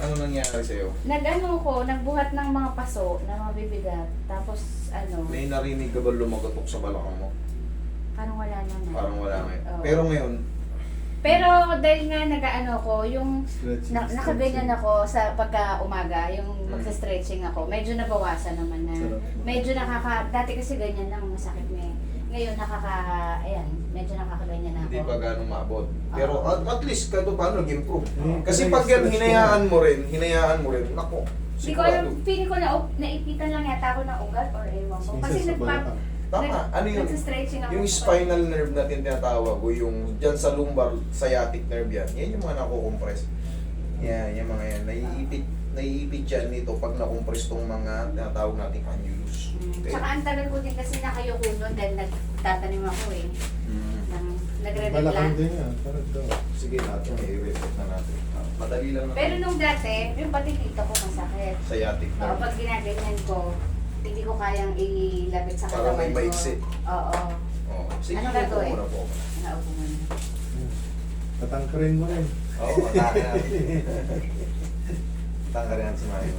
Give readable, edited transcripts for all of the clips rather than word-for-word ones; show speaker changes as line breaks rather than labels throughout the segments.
Ano nangyari sa'yo?
Nagbuhat ng mga paso na mabibigat. Tapos
May narinig ka ba lumagotok sa balakang mo?
parang wala naman.
Parang wala ngayon.
Oo.
Pero ngayon,
Pero dahil nga ko, yung
Stretching,
nakaganyan
stretching.
ako sa pagka umaga, yung
Mm.
magsa-stretching ako, medyo nabawasan naman na.
Sarap.
Medyo dati kasi ganyan lang, masakit na eh. Ngayon medyo nakakaganyan na ako.
hindi pa ganong maabot. Pero
Oo.
at least kahit paano nag-improve.
Mm.
Kasi
Kasi
pag yan,
stretch
hinayaan mo rin, nako.
Hindi ko alam, feeling ko naipitan lang yata ako ng ugat or ewan ko. Kasi
Minsan sa balakang.
Tama, ano yun?
Nagsa-stretching ako.
Yung spinal nerve natin tinatawag o yung dyan sa lumbar sciatic nerve yan yung mga nakukompress. Yan, yung mga yan. Naiipit yan nito pag nakompress tong mga tinatawag nating annulus. Okay?
Tsaka ang tagal ko din kasi nakayoko nun dahil nagtatanim ako eh.
Mm.
Balakang
Nagre-replant.
din yan. Parang daw.
Sige natin, i-reset na natin. Madali lang naman.
Pero nung dati, yung pati dito ko masakit.
Sciatic
Oo,
nerve.
pag ginaganyan ko, hindi ko kayang ilabit sa
Parang
katawan
may
ko.
maiksi.
Oo.
Oh. Sige,
Ano
upo
gagawin?
muna po.
Naupo muna.
Patangkarin mo rin.
Oo, atake natin. Tanggalin natin si Mario.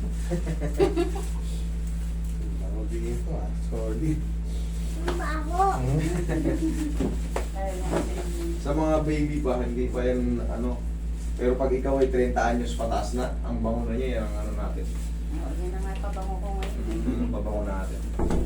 Mabigay ko solid.
Lalo na kasi
Sa mga baby pa, hindi pa yan pero pag ikaw ay 30 anyos pataas na, ang bango na niya, yan ang natin.
Oo, yan na nga pabango ko ngayon.
Ang babango natin.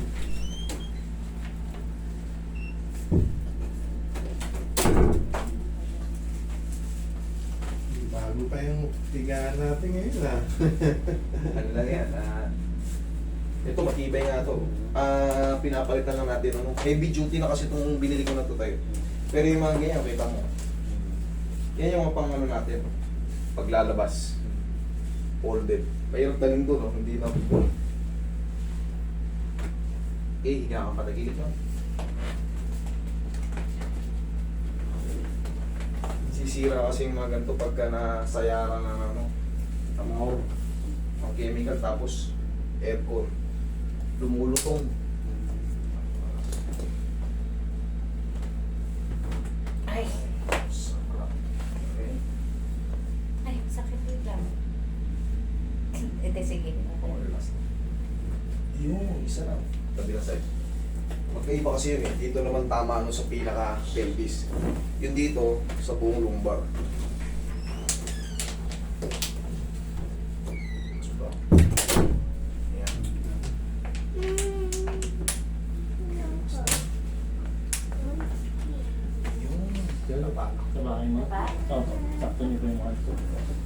Bago pa yung tigaan natin ngayon
Ano lang yan, ito matibay nga to. Pinapalitan lang natin, heavy duty na kasi itong binili ko na to tayo. Pero yung mga ganyan, kita mo. Yan yung mga pang natin. Paglalabas. Folded. Mayroon taling doon, hindi na full. Higa kang patagilid no? Sisira kasi yung mga ganito pagka nasayaran ng ang chemical tapos aircon. Lumulutong.
Ay,
Sarap. Okay.
ay, sakit lang. Ito, sige.
Okay, last. Yung isa lang. Tabi lang side. Magkaiba kasi yun eh. Dito naman tama sa pinaka-pelvis. Yun dito, sa buong lumbar. Diba? Ayan. Yung
Diba?
Sa bahay mo?
Diba?
Oo, sakto niyo po yung mga ito.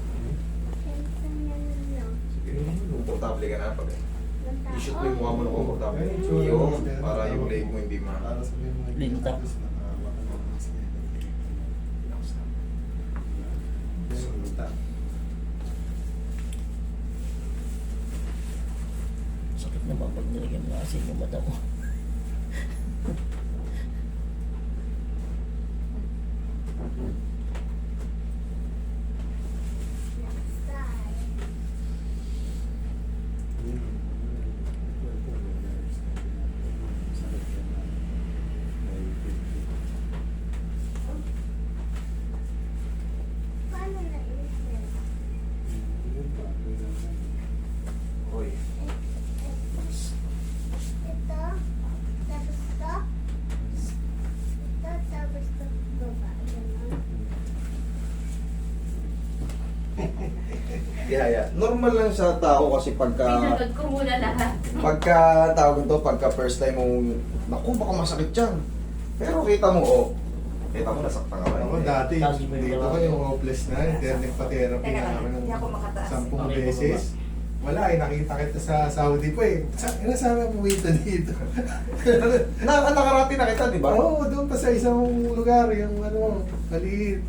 sige, komportable ka na pag i-shoot mo yung mukha mo na komportable.
Ay, sure.
Yung, para yung leg mo hindi
Para sa mga
Linta. Sakit na ba pag nilagyan mo kasi yung mata mo?
Hoy. Yeah. Normal lang sa tao kasi
Pinunod ko muna lahat.
tawag ito, pagka first time mo, naku, baka masakit yan. Pero kita mo, kita mo, nasaktan ka ba?
Ako dati, dito ko yung hopeless na, internet pa therapy
Teka
na
lang,
namin
hindi ako
ng
makataas.
10 beses. Wala nakita kita sa Saudi po eh. Sabi mo dito dito.
Nakarati na kita, di ba?
Oo, doon pa sa isang lugar, yung maliit.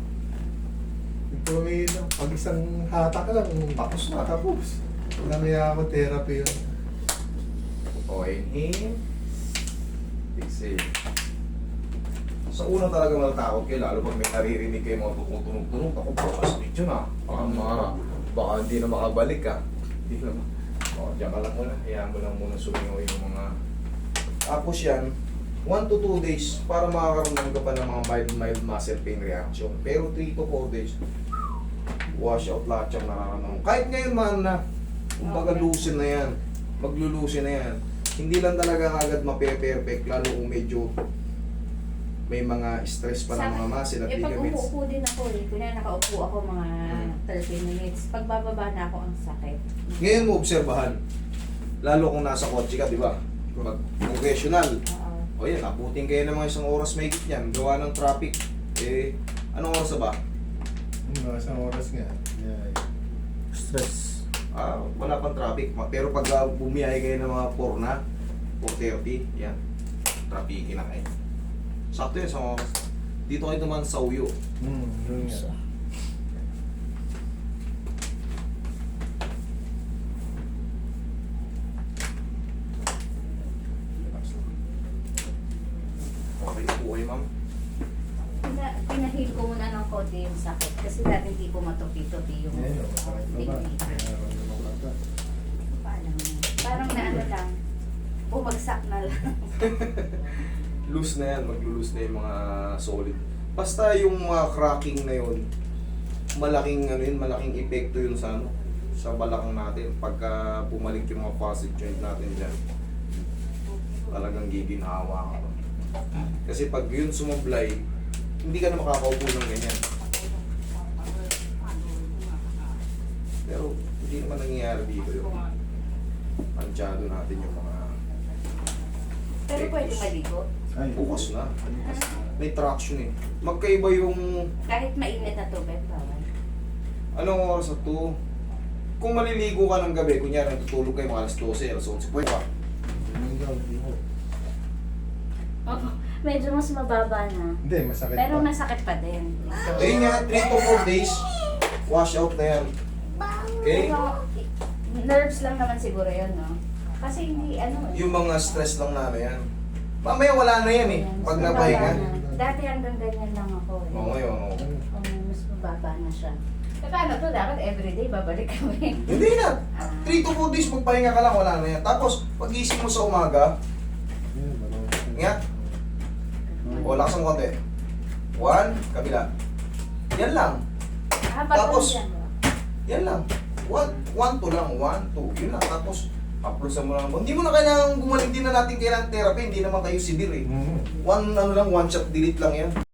Yung pag isang hatak lang,
Tapos na.
tapos. Namaya ako therapy yun.
O, inhale. Exhale. Sa una talaga matatakot kayo, lalo pag may naririnig kayo mga tumutunog-tunog, ako baka masakit yun ah. Baka hindi na makabalik ka. Hindi na o, diyan ka lang muna. Hayaan mo lang muna sumingaw yung mga... Tapos yan, 1 to 2 days para makakaramdam ka pa ng mga mild muscle pain reaction. Pero 3 to 4 days, wash out lahat yung nararamdaman. Kahit ngayon man na, kumbaga
Okay.
loosen na yan, maglulusin na yan. Hindi lang talaga agad mape-perfect, lalo kung medyo may mga stress pa ng mga muscle at
pag
ligaments.
umuupo din ako kunya nakaupo ako mga 30 minutes, pag bababa na ako ang sakit.
Ngayon mo obserbahan, lalo kung nasa kotse ka, di ba? Pag professional,
Oo.
o yan, abutin kayo ng mga isang oras may niyan, gawa ng traffic. Eh, anong oras na ba?
Mga isang oras nga. Yeah.
Stress.
Wala pang traffic. Pero pag bumiyay kayo ng mga 4 na, 4:30, yan, traffic na kayo. Sakto yun, isang oras. Dito kayo naman sa uyo.
Yun nga.
Isa.
Okay po kayo, ma'am.
Pinahil ko muna ng konti yung sakit kasi dati hindi ko matupi-tupi yung
Ayun, masakit na ba?
tingin.
Nararamdaman ko ata.
Parang na ano lang, bumagsak na lang.
Loose na yan, maglo-loose na yung mga solid. Basta yung mga cracking na yun, malaking ano yun, malaking epekto yun sa ano, sa balakang natin. Pagka bumalik yung mga facet joint natin dyan, talagang giginhawa ka. Kasi pag yun sumablay, hindi ka na makakaupo ng ganyan. Pero hindi naman nangyayari dito yun. Pansyado natin yung mga
Pero pwede maligo.
Ay,
bukas na. May traction eh. Magkaiba yung
Kahit mainit na tubig, bawal.
anong oras na to. Kung maliligo ka ng gabi, kunyari natutulog kayo mga alas 12, alas 11, pwede ka.
Yun daw, di ko.
Oo, medyo mas mababa na.
Hindi, masakit
Pero
pa.
masakit pa din.
Ayun nga, 3 to 4 days, wash out na yan. Okay?
Pero, nerves lang naman siguro yun, no? Kasi hindi, ano,
Yung mga stress lang na ano yan. Mamaya wala na yan eh, pag
mas
napahinga.
mababa na. Dati hanggang ganyan lang ako. Eh.
Oo, ngayon, oo.
Mas mababa na siya. E paano to? Dapat everyday babalik kami.
Hindi na. 3 to 4 days magpahinga ka lang, wala na yan. Tapos, pag-isip mo sa umaga,
Yun, marunong.
nga, o lakas ng konti. 1, kabila. Yan lang. Tapos, yan lang. 1 to lang. 1, 2. Yun lang. Tapos, haplosan mo lang. Hindi mo na kailangan bumalik din na natin kailangan therapy. Hindi naman kayo severe eh.
Mhm.
One shot delete lang yan.